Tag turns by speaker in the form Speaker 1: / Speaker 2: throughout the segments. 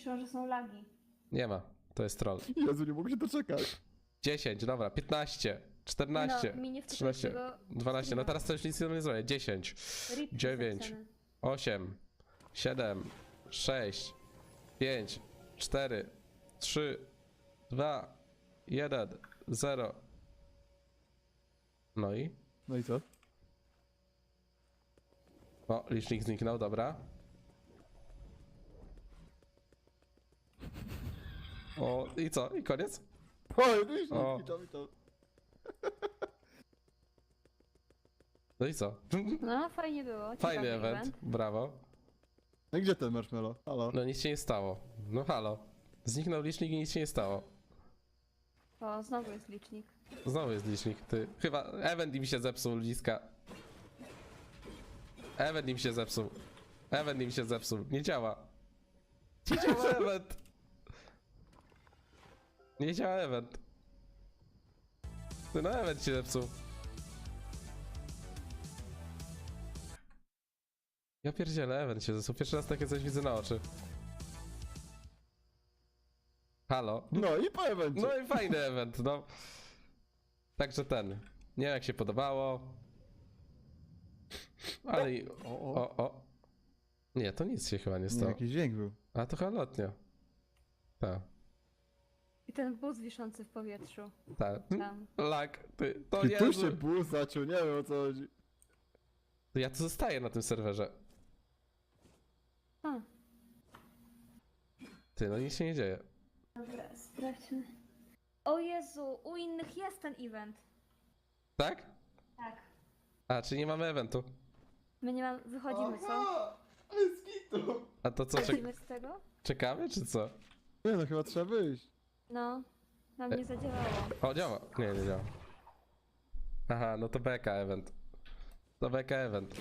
Speaker 1: Piszą, że są lagi.
Speaker 2: Nie ma, to jest troll.
Speaker 3: Jezu, nie mogę się doczekać.
Speaker 2: 10, dobra, 15, 14,
Speaker 1: No, mi nie wstyd
Speaker 2: 13,
Speaker 1: tego
Speaker 2: 12, no teraz to już nic nie zrobię. 10,
Speaker 1: Rip
Speaker 2: 9,
Speaker 1: zapisane.
Speaker 2: 8, 7, 6, 5, 4, 3, 2, 1, 0. No i?
Speaker 3: No i co?
Speaker 2: O, licznik zniknął, dobra. O, i co? I koniec?
Speaker 3: O, widzisz,
Speaker 2: O.
Speaker 3: to.
Speaker 2: No i co?
Speaker 1: No, fajnie było.
Speaker 2: Fajny
Speaker 1: ciekawy
Speaker 2: event, brawo.
Speaker 3: No i gdzie ten marshmallow? Halo?
Speaker 2: No nic się nie stało. No halo. Zniknął licznik i nic się nie stało.
Speaker 1: O, znowu jest licznik.
Speaker 2: Znowu jest licznik, ty. Chyba event im się zepsuł, ludziska. Event im się zepsuł. Event im się zepsuł. Nie działa. Nie działa event. Nie działa event. Ty, no event się zepsuł. Ja pierdzielę, event się zepsuł. Pierwszy raz takie coś widzę na oczy. Halo?
Speaker 3: No i po evencie.
Speaker 2: No i fajny event, no. Także ten. Nie wiem jak się podobało. Ale i... O. Nie, to nic się chyba nie
Speaker 3: Nie,
Speaker 2: stało.
Speaker 3: jakiś dźwięk był.
Speaker 2: A to chyba lotnia. Tak,
Speaker 1: I ten bus wiszący w powietrzu.
Speaker 2: tak.
Speaker 1: Tam.
Speaker 2: Lag, ty. To
Speaker 3: I
Speaker 2: nie
Speaker 3: tu się bus zaciął, nie wiem o co chodzi.
Speaker 2: Ja tu zostaję na tym serwerze.
Speaker 1: A,
Speaker 2: Ty, no nic się nie dzieje.
Speaker 1: dobra, sprawdźmy. O Jezu, u innych jest ten event.
Speaker 2: Tak?
Speaker 1: Tak.
Speaker 2: A, czy nie mamy eventu?
Speaker 1: My nie mamy, wychodzimy, co?
Speaker 3: Ale skitu.
Speaker 2: A to co,
Speaker 1: Wychodzimy z tego?
Speaker 2: czekamy, czy co?
Speaker 3: Nie no, chyba trzeba wyjść.
Speaker 1: No, nam nie zadziałało.
Speaker 2: O, działa. Nie działa. Aha, no to beka event. To beka event.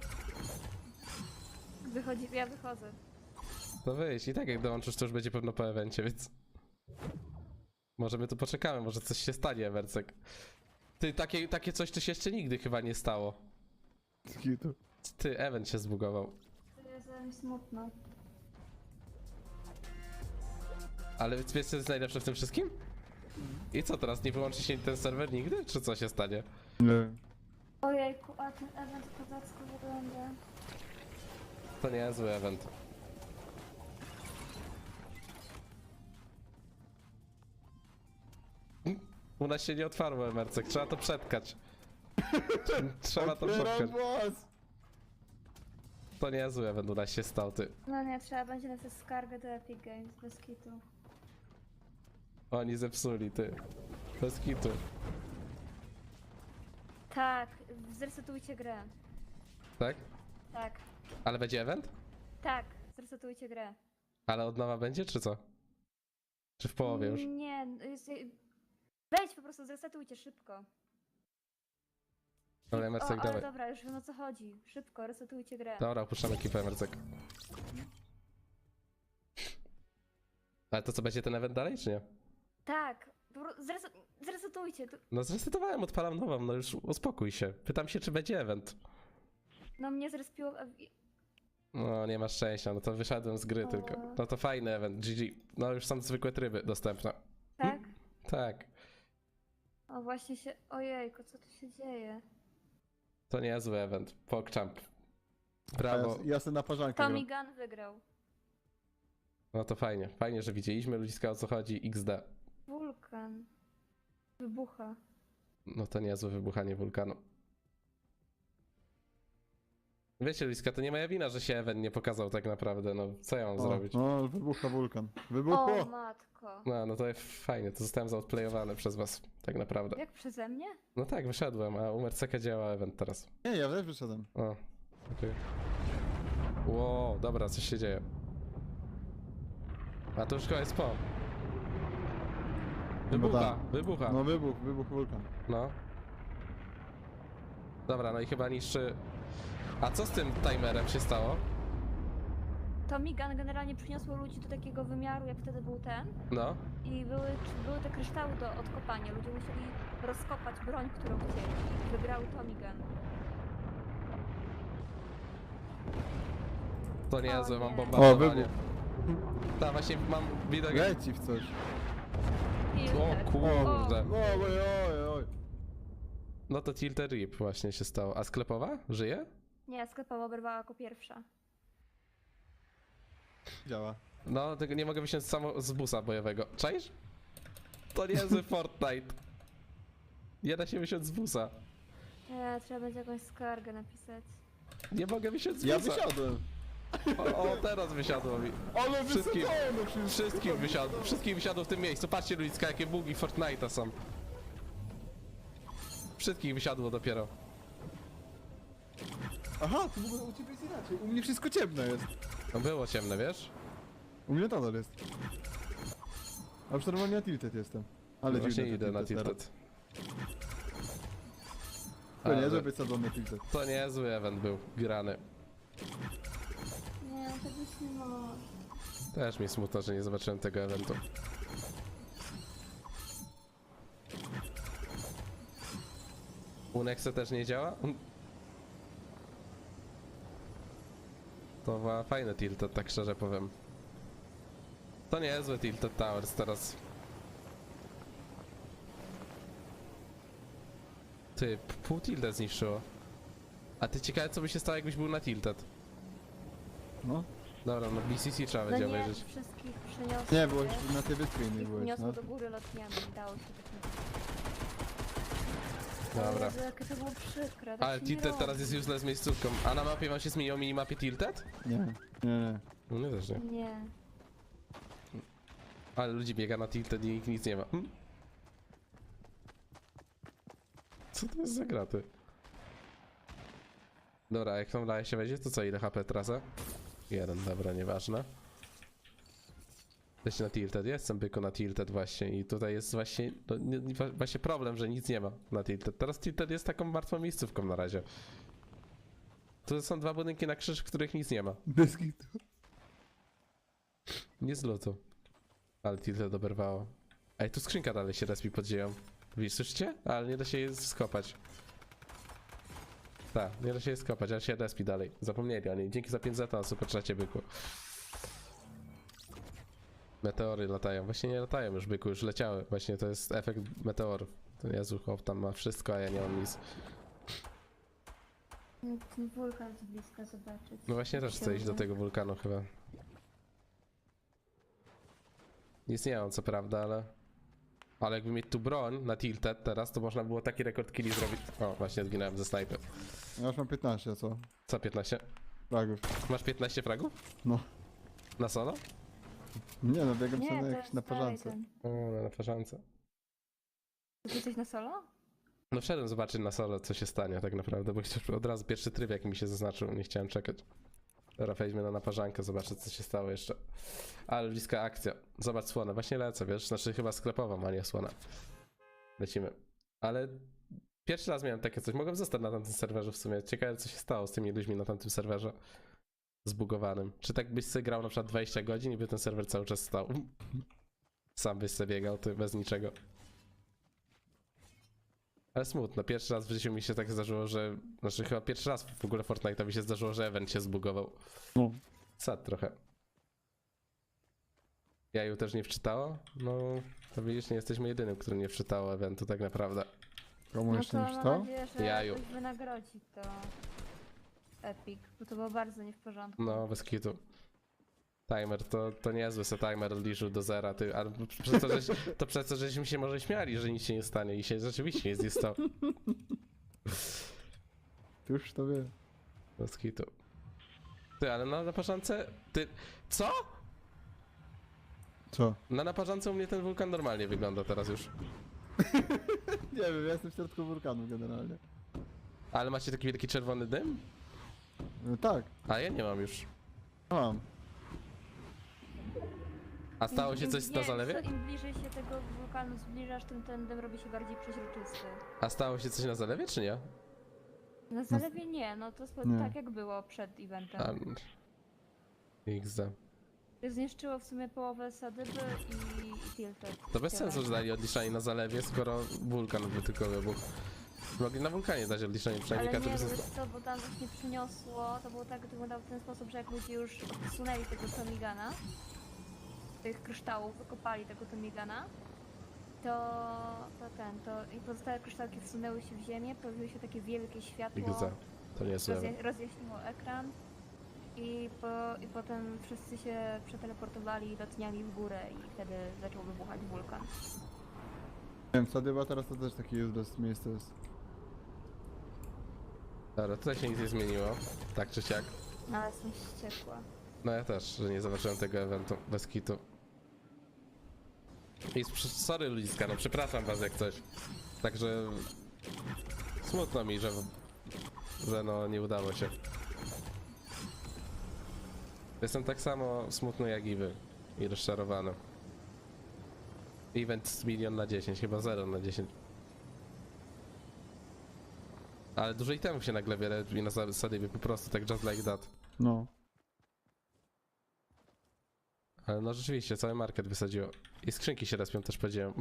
Speaker 1: Ja wychodzę.
Speaker 2: To wyjść. I tak jak dołączysz, to już będzie pewno po evencie, więc... Może my tu poczekamy, może coś się stanie, Ewercek. Ty, takie coś to się jeszcze nigdy chyba nie stało.
Speaker 3: Skitu.
Speaker 2: Ty, event się zbugował.
Speaker 1: To jest mi smutno.
Speaker 2: Ale wiesz co jest najlepsze w tym wszystkim? I co teraz, nie wyłączy się ten serwer nigdy? Czy co się stanie?
Speaker 3: Nie.
Speaker 1: Ojejku, a ten event kozacko wygląda.
Speaker 2: To nie jest zły event. U nas się nie otwarło, Emercek, trzeba to przetkać. Trzeba to
Speaker 3: Otwieram
Speaker 2: przetkać.
Speaker 3: głos.
Speaker 2: To nie jest zły event, u nas się stał, ty.
Speaker 1: No nie, trzeba będzie napisać skargę do Epic Games, bez kitu.
Speaker 2: Oni zepsuli, ty. Bez kitu.
Speaker 1: Tak, zresetujcie grę.
Speaker 2: Tak?
Speaker 1: Tak,
Speaker 2: Ale będzie event?
Speaker 1: tak, zresetujcie grę.
Speaker 2: Ale od nowa będzie, czy co? Czy w połowie już?
Speaker 1: Nie, wejdź po prostu, zresetujcie szybko.
Speaker 2: Dobra, Emercek,
Speaker 1: ale
Speaker 2: dawaj.
Speaker 1: dobra, już wiem o co chodzi. Szybko, resetujcie grę.
Speaker 2: Dobra, opuszczamy ekipę, Emercek. Ale to co, będzie ten event dalej, czy nie?
Speaker 1: Tak, zresetujcie.
Speaker 2: No zresetowałem, odpalam nową, no już uspokój się. Pytam się, czy będzie event.
Speaker 1: No mnie zrespiło...
Speaker 2: No nie masz szczęścia, no to wyszedłem z gry
Speaker 1: O.
Speaker 2: tylko. No to fajny event, GG. No już są zwykłe tryby dostępne.
Speaker 1: Tak?
Speaker 2: Tak.
Speaker 1: O właśnie się... Ojejku, co tu się dzieje?
Speaker 2: To niezły event. PogChamp. Brawo.
Speaker 3: Ja sobie na parzankę
Speaker 1: Tommy
Speaker 3: gram.
Speaker 1: Gun wygrał.
Speaker 2: No to fajnie. Fajnie, że widzieliśmy ludziska o co chodzi. XD.
Speaker 1: Wulkan. Wybucha.
Speaker 2: No to niezłe wybuchanie wulkanu. Wiecie ludziska, to nie moja wina, że się event nie pokazał tak naprawdę. No co ja mam zrobić?
Speaker 3: No, wybucha wulkan.
Speaker 1: O
Speaker 3: Wybuchło!
Speaker 1: matko.
Speaker 2: No to fajnie, to zostałem zaodplayowany przez was. Tak naprawdę.
Speaker 1: Jak przeze mnie?
Speaker 2: No tak, wyszedłem, a u Merceka działa event teraz.
Speaker 3: Nie, ja też wyszedłem.
Speaker 2: O, okej. Wow, dobra, coś się dzieje. A to już chyba jest po. Wybucha,
Speaker 3: tak.
Speaker 2: wybucha.
Speaker 3: No wybuch wulkan.
Speaker 2: No. Dobra, no i chyba niszczy... A co z tym timerem się stało?
Speaker 1: Tommy Gun generalnie przyniosło ludzi do takiego wymiaru, jak wtedy był ten.
Speaker 2: No.
Speaker 1: I były te kryształy do odkopania. Ludzie musieli rozkopać broń, którą chcieli. I wygrał Tommy Gun.
Speaker 2: To niezłe,
Speaker 1: O
Speaker 2: mam
Speaker 1: nie.
Speaker 2: bombardowanie.
Speaker 3: O, wybuch.
Speaker 2: Ta właśnie mam widok.
Speaker 3: Leci w coś.
Speaker 2: O kurde.
Speaker 3: Oj, oj, oj.
Speaker 2: No to Tilted Rip właśnie się stało. A sklepowa? Żyje?
Speaker 1: Nie, sklepowa oberwała jako pierwsza.
Speaker 3: Działa.
Speaker 2: No, tego nie mogę wysiąść samo z busa bojowego. Czaisz? To niezły Fortnite. Nie da się wysiąść z busa.
Speaker 1: Trzeba będzie jakąś skargę napisać.
Speaker 2: Nie mogę wysiąść z
Speaker 3: Ja
Speaker 2: busa.
Speaker 3: wysiadłem.
Speaker 2: O, teraz wysiadło mi.
Speaker 3: Ale
Speaker 2: Wszystkim-
Speaker 3: wysadzone wszystko.
Speaker 2: Wszystkim wysiadło w tym miejscu. Patrzcie ludzka, jakie bugi Fortnite'a są. Wszystkich wysiadło dopiero.
Speaker 3: Aha, to w ogóle u ciebie jest inaczej. U mnie wszystko ciemne jest.
Speaker 2: No było ciemne, wiesz?
Speaker 3: U mnie nadal jest. A już normalnie na tilted jestem. Ale
Speaker 2: Właśnie
Speaker 3: dziwne
Speaker 2: idę na
Speaker 3: teraz.
Speaker 2: Tilted.
Speaker 3: To nie,
Speaker 2: Ale
Speaker 3: żeby wysadzony tilted.
Speaker 2: to niezły event był, grany.
Speaker 1: Nie, to być nie może.
Speaker 2: Też mi smutno, że nie zobaczyłem tego eventu. Unexe też nie działa? To była fajne Tilted, tak szczerze powiem. To niezłe Tilted Towers teraz. Ty, pół Tilted zniszczyło. A ty ciekawe co by się stało jakbyś był na Tilted.
Speaker 3: No.
Speaker 2: Dobra, no BCC trzeba
Speaker 1: No
Speaker 2: będzie
Speaker 1: nie,
Speaker 2: obejrzeć.
Speaker 1: wszystkich przeniosło.
Speaker 3: Nie, byłeś na tej wyspie innej
Speaker 1: Ich
Speaker 3: byłeś,
Speaker 1: uniosło
Speaker 3: no.
Speaker 1: do góry lotniami i dało się tak
Speaker 2: Dobra.
Speaker 1: Ale jakie to było przykre. Tak
Speaker 2: Ale
Speaker 1: się nie
Speaker 2: Tilted
Speaker 1: robi.
Speaker 2: teraz jest useless miejscówką. A na mapie wam się zmieniło minimapie Tilted?
Speaker 3: Nie, nie, nie.
Speaker 2: No nie też nie.
Speaker 1: Nie.
Speaker 2: Ale ludzi biega na Tilted i nikt nic nie ma. Co to jest za graty? Dobra, jak tam daje się wejdzie, to co, ile HP trasa? 1, dobra, nieważne. Jesteś na Tilted, jestem byku na Tilted właśnie i tutaj jest właśnie, no, właśnie problem, że nic nie ma na Tilted. Teraz Tilted jest taką martwą miejscówką na razie. Tu są dwa budynki na krzyż, w których nic nie ma.
Speaker 3: Bez kitu.
Speaker 2: Nie z lutu. Ale Tilted oberwało. Ej, tu skrzynka dalej się respi pod ziemią. Widzisz, słyszycie? Ale nie da się jej skopać. Tak, nie da się jej skopać, ale się respi dalej. Zapomnieli o niej. Dzięki za 5 zeta na superczacie, byku. Meteory latają. Właśnie nie latają już, byku, już leciały. Właśnie to jest efekt meteorów. To Jezu, chłop tam ma wszystko, a ja nie mam nic.
Speaker 1: Ten wulkan z bliska zobaczyć.
Speaker 2: No właśnie też chcę iść do tego wulkanu chyba. Nic nie mam, co prawda, ale... Ale jakby mieć tu broń na Tilted teraz, to można było taki rekord killi zrobić. O, właśnie zginąłem ze snajpy.
Speaker 3: Ja już mam 15, a co?
Speaker 2: Co 15?
Speaker 3: Fragów.
Speaker 2: Masz 15 fragów?
Speaker 3: No.
Speaker 2: Na solo?
Speaker 3: Nie no, biegam
Speaker 1: Nie,
Speaker 3: sobie
Speaker 1: to
Speaker 3: na,
Speaker 1: jest
Speaker 3: na
Speaker 1: dalej
Speaker 3: parzance.
Speaker 1: ten.
Speaker 2: O, na farzance.
Speaker 1: Ty jesteś na solo?
Speaker 2: No wszedłem zobaczyć na solo, co się stanie tak naprawdę, bo chciałem od razu pierwszy tryb jaki mi się zaznaczył, nie chciałem czekać. Dobra, wejdźmy na naparzankę, zobaczę co się stało jeszcze. Ale bliska akcja. Zobacz słonę, właśnie lecę, wiesz, znaczy chyba sklepową, a nie słona. Lecimy. Ale pierwszy raz miałem takie coś, mogłem zostać na tamtym serwerze w sumie. Ciekawe co się stało z tymi ludźmi na tamtym serwerze. Zbugowanym. Czy tak byś sobie grał na przykład 20 godzin i by ten serwer cały czas stał? Sam byś sobie biegał, ty bez niczego. Ale smutno, pierwszy raz w życiu mi się tak zdarzyło, że... Znaczy chyba pierwszy raz w ogóle Fortnite'a mi się zdarzyło, że event się zbugował.
Speaker 3: No.
Speaker 2: Sad trochę. Jaju też nie wczytało? No, to widzisz, nie jesteśmy jedynym, który nie wczytało eventu tak naprawdę.
Speaker 3: Komu
Speaker 1: No
Speaker 3: jeszcze
Speaker 1: to
Speaker 3: nie
Speaker 1: mam
Speaker 3: wstał?
Speaker 1: nadzieję, że
Speaker 2: Jaju.
Speaker 1: jakoś wynagrodzi to Epic, bo to było bardzo nie w porządku.
Speaker 2: No, bez kitu. Timer, to niezły se timer odliczył do zera, ty, ale przez to, to przez to, żeśmy się może śmiali, że nic się nie stanie i się rzeczywiście nic nie stało.
Speaker 3: Ty już to wie.
Speaker 2: Bez kitu. Ty, ale na naparzance... Ty... Co?
Speaker 3: Co?
Speaker 2: Na naparzance u mnie ten wulkan normalnie wygląda teraz już.
Speaker 3: Nie wiem, ja jestem w środku wulkanu generalnie.
Speaker 2: Ale macie taki wielki czerwony dym?
Speaker 3: No, tak,
Speaker 2: A ja nie mam już.
Speaker 3: mam.
Speaker 2: A stało się
Speaker 1: Im-
Speaker 2: coś
Speaker 1: nie,
Speaker 2: na zalewie?
Speaker 1: Im bliżej się tego wulkanu zbliżasz, tym ten dym robi się bardziej przeźroczysty.
Speaker 2: A stało się coś na zalewie, czy nie?
Speaker 1: Na zalewie nie, no to jest
Speaker 3: Nie.
Speaker 1: tak jak było przed eventem.
Speaker 2: A... XD.
Speaker 1: Zniszczyło w sumie połowę sadyby i tilted.
Speaker 2: To bez
Speaker 1: Tyle.
Speaker 2: sensu, że dali odliczanie na zalewie, skoro wulkan by tylko wybuchł. Mogli na wulkanie dać odliczenie, przynajmniej
Speaker 1: Ale
Speaker 2: każdy
Speaker 1: nie,
Speaker 2: by
Speaker 1: wiesz
Speaker 2: został.
Speaker 1: co, bo tam właśnie przyniosło, to było tak, wyglądało w ten sposób, że jak ludzie już odsunęli tego Tomigana, tych kryształów wykopali tego Tomigana, i pozostałe kryształki wsunęły się w ziemię, pojawiło się takie wielkie światło,
Speaker 2: XD. To nie jest złe.
Speaker 1: rozjaśniło ekran i potem wszyscy się przeteleportowali i lotniali w górę i wtedy zaczął wybuchać wulkan.
Speaker 3: Nie wiem, Sadyba teraz to też takie useless miejsce jest.
Speaker 2: Dobra, tutaj się nic nie zmieniło. Tak czy siak.
Speaker 1: No ale jestem wściekła.
Speaker 2: No ja też, że nie zobaczyłem tego eventu bez kitu. I sorry ludziska, no przepraszam was jak coś. Także smutno mi, że no nie udało się. Jestem tak samo smutny jak i wy. I rozczarowany. Event z 1 na 10, chyba 0 na 10. Ale dużo itemów się nagle wiele i na zasadzie po prostu tak just like that.
Speaker 3: No.
Speaker 2: Ale no rzeczywiście, cały market wysadziło. I skrzynki się respią, też powiedziałem.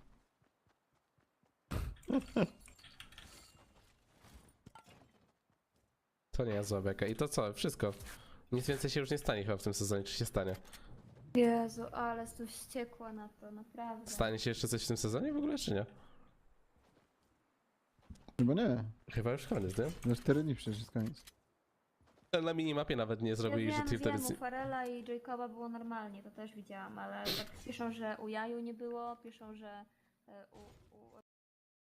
Speaker 2: To nie jest zła beka. I to co? Wszystko. Nic więcej się już nie stanie chyba w tym sezonie. Czy się stanie?
Speaker 1: Jezu, ale jestem wściekła na to, naprawdę.
Speaker 2: Stanie się jeszcze coś w tym sezonie w ogóle, czy nie?
Speaker 3: Chyba nie.
Speaker 2: Chyba już koniec, nie?
Speaker 3: Na 4 dni przecież jest koniec.
Speaker 2: Na minimapie nawet nie zrobili,
Speaker 1: ja
Speaker 2: że
Speaker 1: wiem,
Speaker 2: Tilted
Speaker 1: wiem, u Farela i Jacoba było normalnie, to też widziałam, ale tak piszą, że u Jaju nie było, piszą, że u